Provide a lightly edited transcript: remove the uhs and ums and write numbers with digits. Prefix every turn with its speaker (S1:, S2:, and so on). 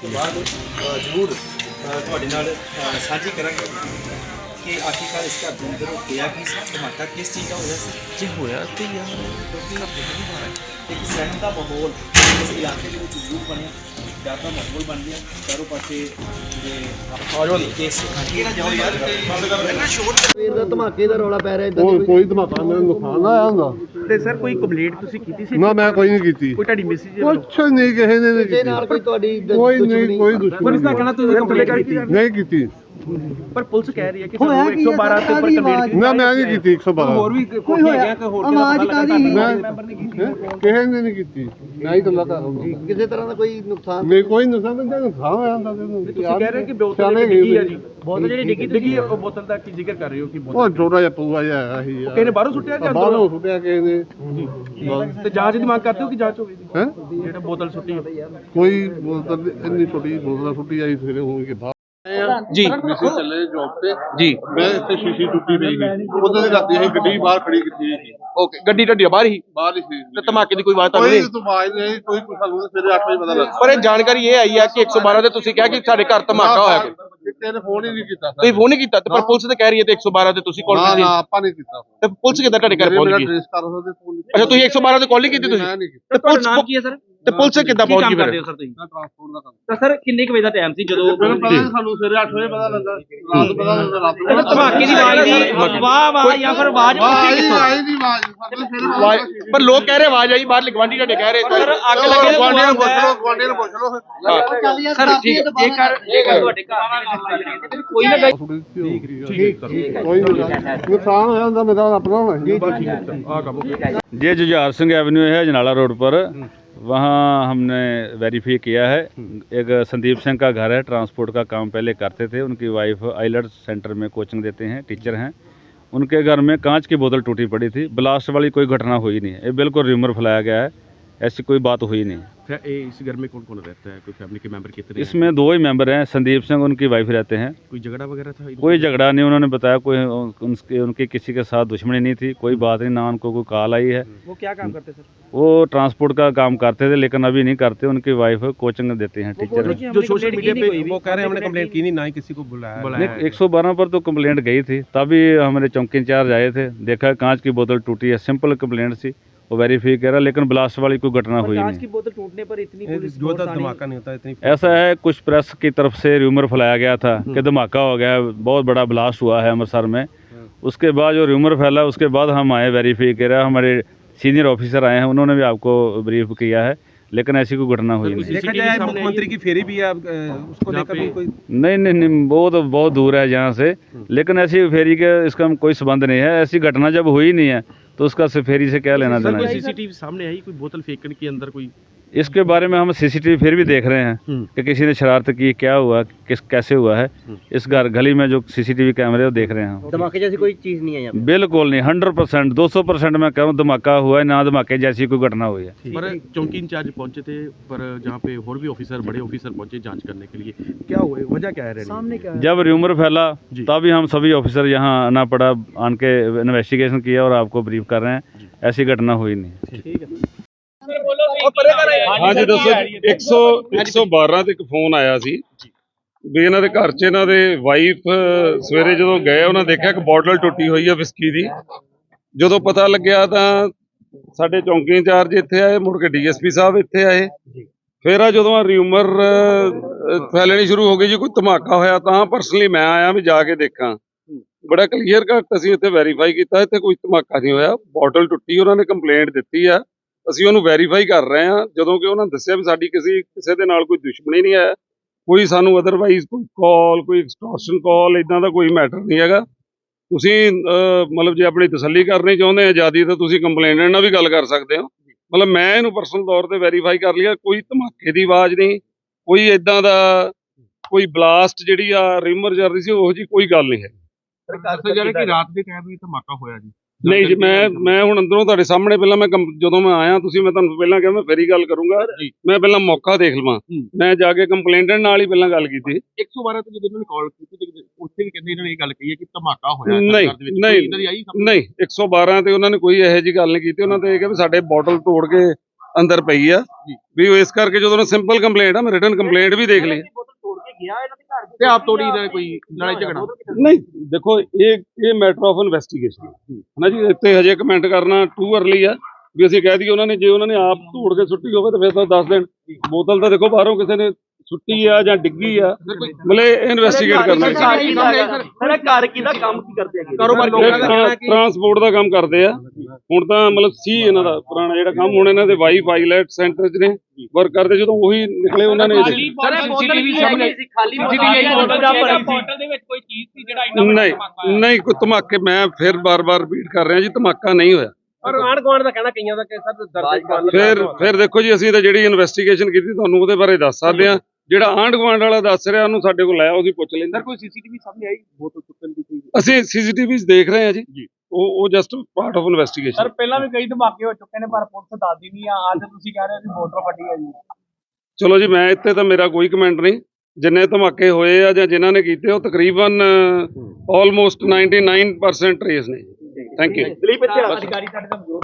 S1: ਉਸ ਤੋਂ ਬਾਅਦ ਜ਼ਰੂਰ ਤੁਹਾਡੇ ਨਾਲ ਸਾਂਝੀ ਕਰਾਂਗੇ ਕਿ ਆਖਿਰਕਾਰ ਇਸ ਘਰ ਦੇ ਅੰਦਰ ਹੋਇਆ ਕੀ ਸੀ, ਧਮਾਕਾ ਕਿਸ ਚੀਜ਼ ਦਾ ਹੋਇਆ ਸੀ।
S2: ਜੇ ਹੋਇਆ ਤੇ ਯਾਰ
S1: ਇੱਕ ਸਹਿਮ ਦਾ ਮਾਹੌਲ ਇਸ ਇਲਾਕੇ ਦੇ ਵਿੱਚ ਜ਼ਰੂਰ ਬਣਿਆ, ਡਰ ਦਾ ਮਾਹੌਲ ਬਣ ਗਿਆ ਚਾਰੋਂ ਪਾਸੇ ਜਿਹੜੇ ਕੇਸ ਕਿਹੜਾ ਜਾਓ ਯਾਰ
S3: ਸਵੇਰ ਦਾ ਧਮਾਕੇ ਦਾ ਰੌਲਾ ਪੈ ਰਿਹਾ ਇਦਾਂ
S4: ਕੋਈ ਧਮਾਕਾ ਮੇਰਾ ਨੁਕਸਾਨ ਆਇਆ ਹੁੰਦਾ
S2: ਤੇ ਸਰ ਕੋਈ ਕੰਪਲੇਂਟ ਤੁਸੀਂ ਕੀਤੀ ਸੀ?
S4: ਨਾ ਮੈਂ ਕੋਈ ਨਹੀਂ ਕੀਤੀ,
S2: ਕੋਈ ਤੁਹਾਡੀ ਮੈਸੇਜ
S4: ਕੁਛ ਨਹੀਂ ਕਿਸੇ ਨੇ ਨਹੀਂ
S3: ਕਿਸੇ ਨਾਲ
S4: ਕੀਤੀ,
S3: ਕੋਈ ਤੁਹਾਡੀ
S4: ਕੋਈ ਨਹੀਂ, ਕੋਈ ਦੁਸ਼ਮਣੀ
S2: ਪੁਲਿਸ ਦਾ ਕਹਿਣਾ ਤੁਸੀਂ ਕੰਪਲੇਂਟ ਕੀਤੀ
S4: ਨਹੀਂ ਕੀਤੀ।
S2: ਪਰ ਪੁਲਿਸ ਕਹਿ ਰਹੀ ਹੈ ਕਿ ਤੁਹਾਨੂੰ 112 ਤੇ ਉੱਪਰ ਕੰਪਲੇਂਟ ਕੀਤੀ।
S4: ਨਾ ਮੈਂ ਨਹੀਂ ਕੀਤੀ 112
S2: ਹੋਰ ਵੀ ਕੋਈ ਹੈਗਾ ਕਿ ਹੋਰ
S3: ਆਵਾਜ਼ ਕਾਹਦੀ?
S2: ਮੈਂਬਰ ਨੇ ਕੀਤੀ
S4: ਕਿਸੇ ਨੇ ਨਹੀਂ ਕੀਤੀ, ਮੈਂ ਹੀ ਗੱਲਾਂ ਕਰ ਰਿਹਾ।
S3: ਕਿਸੇ ਤਰ੍ਹਾਂ ਦਾ ਕੋਈ ਨੁਕਸਾਨ
S4: ਨਹੀਂ ਕੋਈ ਨੁਕਸਾਨ ਨਹੀਂ, ਨੁਕਸਾਨ ਹੋਇਆ ਹੁੰਦਾ
S2: ਤੁਸੀਂ ਕਹਿ ਰਹੇ ਕਿ ਬੋਤਲ ਡਿੱਗੀ ਹੈ ਜੀ, ਬੋਤਲ ਜਿਹੜੀ ਡਿੱਗੀ ਉਹ ਬੋਤਲ ਦਾ ਕੀ ਜ਼ਿਕਰ ਕਰ ਰਹੇ ਹੋ ਕਿ
S4: ਉਹ
S2: ਬੋਤਲ
S4: ਛੋਟਾ ਜਿਹਾ ਪੂਆ ਜਿਹਾ ਆਇਆ ਸੀ
S2: ਕਿਸੇ ਨੇ ਬਾਹਰੋਂ ਸੁੱਟਿਆ ਜਾਂ
S4: ਬਾਹਰੋਂ ਸੁੱਟਿਆ ਕਿਸੇ ਨੇ
S2: ਤੇ ਜਾਂਚ ਦੀ ਮੰਗ ਕਰਦੇ ਹੋ ਕਿ ਜਾਂਚ ਹੋਵੇ
S4: ਹੈ
S2: ਜਿਹੜਾ ਬੋਤਲ ਸੁੱਟੀ ਹੈ?
S4: ਕੋਈ ਬੋਤਲ ਇੰਨੀ ਛੋਟੀ ਬੋਤਲ ਸੁੱਟੀ ਆਈ ਸਵੇਰੇ ਹੋਣ ਕੇ ਬਾਅਦ
S2: ਜੀ
S4: ਅਸੀਂ ਚੱਲੇ ਜੌਬ ਤੇ,
S2: ਜੀ
S4: ਮੈਂ ਇੱਥੇ ਸ਼ੀਸ਼ੀ ਟੁੱਟੀ ਪਈ ਸੀ, ਉਦੋਂ ਦੀ ਰਾਤੀ ਅਸੀਂ ਗੱਡੀ ਬਾਹਰ ਖੜੀ ਕੀਤੀ ਸੀ,
S2: ਓਕੇ ਗੱਡੀ ਤੁਹਾਡੀ ਬਾਹਰ ਹੀ
S4: ਬਾਹਰ ਹੀ ਸੀ
S2: ਤੇ ਧਮਾਕੇ ਦੀ ਕੋਈ ਆਵਾਜ਼ ਤਾਂ
S4: ਕੋਈ
S2: ਨਹੀਂ?
S4: ਆਵਾਜ਼ ਨਹੀਂ, ਕੋਈ ਸਾਨੂੰ ਸਵੇਰੇ 8 ਵਜੇ ਪਤਾ ਲੱਗਾ।
S2: ਪਰ ਇਹ ਜਾਣਕਾਰੀ ਇਹ ਆਈ ਹੈ ਕਿ 112 ਤੇ ਤੁਸੀਂ ਕਿਹਾ ਕਿ ਸਾਡੇ ਘਰ ਧਮਾਕਾ ਹੋਇਆ ਕੋਈ।
S4: ਕਿਸੇ ਨੇ ਫੋਨ ਹੀ ਨਹੀਂ ਕੀਤਾ
S2: ਤੁਸੀਂ ਫੋਨ ਨਹੀਂ ਕੀਤਾ ਤੇ ਪਰ ਪੁਲਿਸ ਤੇ ਕਹਿ ਰਹੀ ਹੈ ਤੇ 112 ਤੇ ਤੁਸੀਂ ਕਾਲ
S4: ਨਾ
S2: ਕੀਤੀ
S4: ਨਾ ਆਪਾਂ ਨਹੀਂ ਕੀਤਾ,
S2: ਤੇ ਪੁਲਿਸ ਕਿੱਦਾਂ ਤੁਹਾਡੇ ਘਰ ਪਹੁੰਚ ਗਈ?
S4: ਟ੍ਰੇਸ ਕਰ ਸਕਦੇ ਫੋਨ
S2: ਅੱਛਾ ਤੁਸੀਂ 112 ਤੇ ਕਾਲ ਨਹੀਂ ਕੀਤੀ ਤੁਸੀਂ?
S4: ਮੈਂ ਨਹੀਂ ਕੀਤਾ।
S2: ਤੇ ਪੁਲਿਸ ਨਾਮ ਕੀ ਹੈ ਸਰ? ਤੇ ਪੁਲਿਸ ਕਿੱਦਾਂ ਪਹੁੰਚ ਗਈ ਫਿਰ?
S1: ਸਰ ਤੁਸੀਂ
S4: ਟ੍ਰਾਂਸਪੋਰਟ ਦਾ ਕੰਮ
S1: ਤਾਂ ਸਰ ਕਿੰਨੇ ਕੁ ਵਜੇ ਦਾ ਟਾਈਮ ਸੀ ਜਦੋਂ
S4: ਮੈਨੂੰ ਪਤਾ ਨਹੀਂ, ਸਾਨੂੰ ਸਵੇਰੇ 8 ਵਜੇ ਪਤਾ ਲੱਗਾ, ਰਾਤ ਪਤਾ ਲੱਗਾ, ਰਾਤ ਨੂੰ
S1: ਧਮਾਕੇ ਦੀ ਆਵਾਜ਼ ਦੀ ਵਾਹ ਵਾਹ ਜਾਂ ਫਿਰ ਆਵਾਜ਼ ਉੱਠੀ ਕਿੱਥੋਂ?
S4: ਆਈ ਨਹੀਂ ਆਵਾਜ਼, ਸਾਡੇ ਸਵੇਰੇ
S2: ਪਰ ਲੋਕ ਕਹਿ ਰਹੇ ਆਵਾਜ਼ ਆਈ ਬਾਹਰ ਗਵਾਂਢੀ ਤੁਹਾਡੇ ਕਹਿ ਰਹੇ
S1: ਸਰ ਅੱਗ
S4: ਲੱਗੇ
S1: ਲੱਗੇ
S4: ਗੁਆਂਢੀਆਂ ਨੂੰ ਪੁੱਛ ਲਓ, ਗੁਆਂਢੀਆਂ ਨੂੰ ਪੁੱਛ ਲਓ।
S1: ਸਰ ਠੀਕ ਹੈ ਜੇਕਰ ਤੁਹਾਡੇ ਘਰ ਦੇ ਕੋਈ ਨਾ
S4: ਕੋਈ ਨੁਕਸਾਨ ਹੋਇਆ ਹੁੰਦਾ ਮੇਰਾ ਆਪਣਾ ਹੋਣਾ ਸੀ।
S5: ये जुझार सिंह एवेन्यू है जनाला रोड पर, वहाँ हमने वेरीफाई किया है। एक संदीप सिंह का घर है, ट्रांसपोर्ट का काम पहले करते थे, उनकी वाइफ आइलट्स सेंटर में कोचिंग देते हैं, टीचर हैं। उनके घर में कांच की बोतल टूटी पड़ी थी, ब्लास्ट वाली कोई घटना हुई नहीं है, ये बिल्कुल र्यूमर फैलाया गया है, ऐसी कोई बात हुई नहीं।
S2: इस घर में कौन कौन रहता है? कोई फैमिली के मेंबर कितने?
S5: इसमें 2 ही मेंबर हैं, संदीप सिंह उनकी वाइफ रहते हैं।
S2: कोई झगड़ा वगैरह था?
S5: कोई झगड़ा नहीं, उन्होंने बताया कोई उनकी किसी के साथ दुश्मनी नहीं थी, कोई बात नहीं, ना उनको कोई कॉल आई है।
S1: वो क्या काम करते सर?
S5: वो ट्रांसपोर्ट का काम करते थे लेकिन अभी नहीं करते, उनकी वाइफ कोचिंग देते हैं, टीचर हैं।
S2: जो सोशल मीडिया पे वो कह रहे हैं हमने कंप्लेंट की नहीं, ना ही किसी को बुलाया।
S5: 112 पर तो कंप्लेंट गई थी, तभी हमारे चौकी इंचार्ज आए थे, देखा कांच की बोतल टूटी है, सिंपल कंप्लेंट थी, वो वेरीफाई करा, लेकिन ब्लास्ट वाली कोई घटना हुई
S1: कांच
S5: नहीं।
S1: की बोतल टूटने पर इतनी पुलिस
S2: जो था धमाका नहीं होता इतनी।
S5: ऐसा है, कुछ प्रेस की तरफ से र्यूमर फैलाया गया था कि धमाका हो गया, बहुत बड़ा ब्लास्ट हुआ है अमृतसर में। उसके बाद जो र्यूमर फैला उसके बाद हम आए, वेरीफाई करा, हमारे सीनियर ऑफिसर आए हैं, उन्होंने भी आपको ब्रीफ किया है, लेकिन ऐसी कोई घटना हुई नहीं।
S2: देखा जाए मुख्यमंत्री की फेरी भी है, उसको लेकर भी कोई
S5: नहीं, वो तो बहुत दूर है यहाँ से, लेकिन ऐसी फेरी के इसका कोई संबंध नहीं है। ऐसी घटना जब हुई नहीं है तो उसका फेरी से क्या लेना देना है?
S2: सीसीटीवी सामने आई, कोई बोतल फेंकने के अंदर कोई?
S5: इसके बारे में हम सीसीटीवी फिर भी देख रहे हैं कि किसी ने शरारत की, क्या हुआ, कैसे हुआ है। इस गली में जो सीसीटीवी कैमरे वो देख रहे हैं।
S3: धमाके जैसी कोई चीज नहीं है यहाँ
S5: बिल्कुल नहीं, 100% 200% मैं कह रहा हूँ धमाका हुआ है, ना धमाके जैसी कोई घटना हुई है।
S2: पर चौकी इंचार्ज पहुंचे थे, पर जहाँ पे और भी ऑफिसर, बड़े ऑफिसर पहुंचे जांच करने के लिए, क्या हुआ, वजह क्या है? सामने क्या है?
S5: जब र्यूमर फैला तभी हम सभी ऑफिसर यहाँ आना पड़ा, आन के इन्वेस्टिगेशन किया और आपको ब्रीफ कर रहे हैं, ऐसी घटना हुई नहीं।
S2: ठीक है।
S6: ਹਾਂਜੀ ਦੱਸੋ। 112 ਤੇ ਇੱਕ ਫੋਨ ਆਇਆ ਸੀ ਵੀ ਇਹਨਾਂ ਦੇ ਘਰ 'ਚ ਇਹਨਾਂ ਦੇ ਵਾਈਫ ਸਵੇਰੇ ਜਦੋਂ ਗਏ ਉਹਨਾਂ ਦੇਖਿਆ ਕਿ ਬੋਟਲ ਟੁੱਟੀ ਹੋਈ ਹੈ ਵਿਸਕੀ ਦੀ। ਜਦੋਂ ਪਤਾ ਲੱਗਿਆ ਤਾਂ ਸਾਡੇ ਚੌਂਕੀ ਇੰਚਾਰਜ ਇੱਥੇ ਆਏ, ਮੁੜ ਕੇ ਡੀਐਸਪੀ ਸਾਹਿਬ ਇੱਥੇ ਆਏ। ਫਿਰ ਆ ਜਦੋਂ ਰਿਊਮਰ ਫੈਲਣੀ ਸ਼ੁਰੂ ਹੋ ਗਈ ਜੀ ਕੋਈ ਧਮਾਕਾ ਹੋਇਆ, ਤਾਂ ਪਰਸਨਲੀ ਮੈਂ ਆਇਆ ਵੀ ਜਾ ਕੇ ਦੇਖਾਂ। ਬੜਾ ਕਲੀਅਰ ਕੱਟ ਅਸੀਂ ਇੱਥੇ ਵੈਰੀਫਾਈ ਕੀਤਾ, ਇੱਥੇ ਕੋਈ ਧਮਾਕਾ ਨਹੀਂ ਹੋਇਆ, ਬੋਟਲ ਟੁੱਟੀ, ਉਹਨਾਂ ਨੇ ਕੰਪਲੇਂਟ ਦਿੱਤੀ ਆ, ਅਸੀਂ ਉਹਨੂੰ ਵੈਰੀਫਾਈ ਕਰ ਰਹੇ ਹਾਂ। ਜਦੋਂ ਕਿ ਉਹਨਾਂ ਦੱਸਿਆ ਵੀ ਸਾਡੀ ਕਿਸੇ ਦੇ ਨਾਲ ਕੋਈ ਦੁਸ਼ਮਣੀ ਨਹੀਂ ਹੈ, ਕੋਈ ਸਾਨੂੰ ਅਦਰਵਾਈਜ਼ ਕੋਈ ਕਾਲ, ਕੋਈ ਐਕਸਟੋਰਸ਼ਨ ਕਾਲ, ਇਦਾਂ ਦਾ ਕੋਈ ਮੈਟਰ ਨਹੀਂ ਹੈਗਾ। ਤੁਸੀਂ ਮਤਲਬ ਜੇ ਆਪਣੀ ਤਸੱਲੀ ਕਰਨੀ ਚਾਹੁੰਦੇ ਆਜ਼ਾਦੀ ਤਾਂ ਤੁਸੀਂ ਕੰਪਲੇਨੈਂਟ ਨਾਲ ਵੀ ਗੱਲ ਕਰ ਸਕਦੇ ਹੋ। ਮਤਲਬ ਮੈਂ ਇਹਨੂੰ ਪਰਸਨਲ ਤੌਰ ਤੇ ਵੈਰੀਫਾਈ ਕਰ ਲਿਆ, ਕੋਈ ਧਮਾਕੇ ਦੀ ਆਵਾਜ਼ ਨਹੀਂ, ਕੋਈ ਇਦਾਂ ਦਾ ਕੋਈ ਬਲਾਸਟ ਜਿਹੜੀ ਆ ਰਿਮਰ ਚੱਲ ਰਹੀ ਸੀ ਉਹੋ ਜਿਹੀ ਕੋਈ ਗੱਲ ਨਹੀਂ ਹੈ।
S2: ਜਿਹੜੇ ਕਿ ਰਾਤ ਦੇ ਟਾਈਮ ਵੀ ਧਮਾਕਾ ਹੋਇਆ ਜੀ?
S6: ਨਹੀਂ ਜੀ, ਮੈਂ ਹੁਣ ਅੰਦਰੋਂ ਤੁਹਾਡੇ ਸਾਹਮਣੇ ਪਹਿਲਾਂ ਜਦੋਂ ਮੈਂ ਆਇਆ, ਤੁਸੀਂ ਮੈਂ ਤੁਹਾਨੂੰ ਪਹਿਲਾਂ ਕਿਹਾ ਮੈਂ ਫੇਰੀ ਗੱਲ ਕਰੂੰਗਾ, ਮੈਂ ਪਹਿਲਾਂ ਮੌਕਾ ਦੇਖ ਲਵਾਂ। ਮੈਂ ਜਾ ਕੇ ਕੰਪਲੇਂਟੈਂਟ ਨਾਲ ਹੀ ਪਹਿਲਾਂ ਗੱਲ ਕੀਤੀ।
S2: 112 ਤੇ ਜਦੋਂ ਇਹਨਾਂ ਨੇ ਕਾਲ ਕੀਤੀ ਉੱਥੇ ਵੀ ਕਹਿੰਦੇ ਇਹਨਾਂ ਨੇ ਇਹ ਗੱਲ ਕਹੀ ਹੈ ਕਿ ਧਮਾਕਾ ਹੋਇਆ।
S6: ਨਹੀਂ 112 ਤੇ ਉਹਨਾਂ ਨੇ ਕੋਈ ਇਹੋ ਜਿਹੀ ਗੱਲ ਨਹੀਂ ਕੀਤੀ। ਉਹਨਾਂ ਤੇ ਇਹ ਕਿ ਵੀ ਸਾਡੇ ਬੋਟਲ ਤੋੜ ਕੇ ਅੰਦਰ ਪਈ ਆ ਵੀ ਉਹ ਇਸ ਕਰਕੇ ਜਦੋਂ ਸਿੰਪਲ ਕੰਪਲੇਂਟ ਆ ਮੈਂ ਰਿਟਨ ਕੰਪਲੇਂਟ ਵੀ ਦੇਖ ਲਈ
S2: ਤੇ ਆਪ ਤੋੜੀ ਦਾ ਕੋਈ ਲੜਾਈ ਝਗੜਾ
S6: ਨਹੀਂ ਦੇਖੋ ਇਹ ਮੈਟਰ ਆਫ ਇਨਵੈਸਟੀਗੇਸ਼ਨ ਹੈ ਨਾ ਜੀ। ਇੱਥੇ ਹਜੇ ਕਮੈਂਟ ਕਰਨਾ ਟੂ ਅਰਲੀ ਆ ਵੀ ਅਸੀਂ ਕਹਿ ਦਈਏ ਉਹਨਾਂ ਨੇ, ਜੇ ਉਹਨਾਂ ਨੇ ਆਪ ਧੂੜ ਕੇ ਸੁੱਟੀ ਹੋਵੇ ਤਾਂ ਫਿਰ ਤਾਂ ਦੱਸ ਦੇਣ। ਬੋਤਲ ਤਾਂ ਦੇਖੋ ਬਾਹਰੋਂ ਕਿਸੇ ਨੇ ਸੁੱਟੀ ਆ ਜਾਂ ਡਿੱਗੀ ਆ, ਮਤਲਬ ਇਨਵੈਸਟੀਗੇਟ ਕਰਨਾ।
S1: ਮੇਰਾ ਘਰ ਕਿਹਦਾ ਕੰਮ ਕੀ ਕਰਦੇ ਹੈਗੇ?
S2: ਕਾਰੋਬਾਰ
S6: ਟਰਾਂਸਪੋਰਟ ਦਾ ਕੰਮ ਕਰਦੇ ਆ ਹੁਣ ਤਾਂ, ਮਤਲਬ ਸੀ ਇਹਨਾਂ ਦਾ ਪੁਰਾਣਾ ਜਿਹੜਾ ਕੰਮ। ਹੁਣ ਇਹਨਾਂ ਦੇ ਵਾਈਫ ਆਈਲੈਟ ਸੈਂਟਰ 'ਚ ਨੇ ਵਰਕ ਕਰਦੇ, ਜਦੋਂ ਉਹੀ ਨਿਕਲੇ ਉਹਨਾਂ ਨੇ ਨਹੀਂ ਕੋਈ ਧਮਾਕੇ, ਮੈਂ ਫਿਰ ਬਾਰ-ਬਾਰ ਰਿਪੀਟ ਕਰ ਰਿਹਾ ਜੀ, ਧਮਾਕਾ ਨਹੀਂ ਹੋਇਆ।
S2: ਪਰ ਆਂਢ ਗੁਆਂਢ ਦਾ ਕਹਿਣਾ ਕਈਆਂ ਦਾ ਕਿ ਸਰ
S6: ਫਿਰ ਦੇਖੋ ਜੀ, ਅਸੀਂ ਤਾਂ ਜਿਹੜੀ ਇਨਵੈਸਟੀਗੇਸ਼ਨ ਕੀਤੀ ਤੁਹਾਨੂੰ ਉਹਦੇ ਬਾਰੇ ਦੱਸ ਸਕਦੇ ਆ। ਜਿਹੜਾ ਆਂਢ ਗੁਆਂਢ ਵਾਲਾ ਦੱਸ ਰਿਹਾ ਉਹਨੂੰ ਸਾਡੇ ਕੋਲ ਆਇਆ, ਅਸੀਂ ਪੁੱਛ ਲੈਂਦੇ।
S2: ਕੋਈ ਸੀਸੀਟੀਵੀ ਸਾਹਮਣੇ ਆਈ ਬੋਤਲ ਸੁੱਟਣ ਦੀ ਕੋਈ?
S6: ਅਸੀਂ ਸੀਸੀਟੀਵੀਜ਼ ਦੇਖ ਰਹੇ ਹਾਂ ਜੀ, ਉਹ ਜਸਟ ਪਾਰਟ ਆਫ ਇਨਵੈਸਟੀਗੇਸ਼ਨ।
S1: ਪਹਿਲਾਂ ਵੀ ਕਈ ਧਮਾਕੇ ਹੋ ਚੁੱਕੇ ਨੇ ਪਰ ਪੁਲਿਸ ਦੱਸਦੀ ਨਹੀਂ ਆ। ਅੱਜ ਤੁਸੀਂ ਕਹਿ ਰਹੇ ਹੋ ਕਿ ਮੋਟਰ ਫਟੀ ਹੈ ਜੀ।
S6: ਚਲੋ ਜੀ, ਮੈਂ ਇੱਥੇ ਤਾਂ ਮੇਰਾ ਕੋਈ ਕਮੈਂਟ ਨਹੀਂ। ਜਿੰਨੇ ਧਮਾਕੇ ਹੋਏ ਆ ਜਾਂ ਜਿਨ੍ਹਾਂ ਨੇ ਕੀਤੇ, ਉਹ ਤਕਰੀਬਨ ਆਲਮੋਸਟ 99% ਟਰੇਸ ਨੇ। Thank you.
S1: ਅਧਿਕਾਰੀ ਸਾਡੇ ਦਾ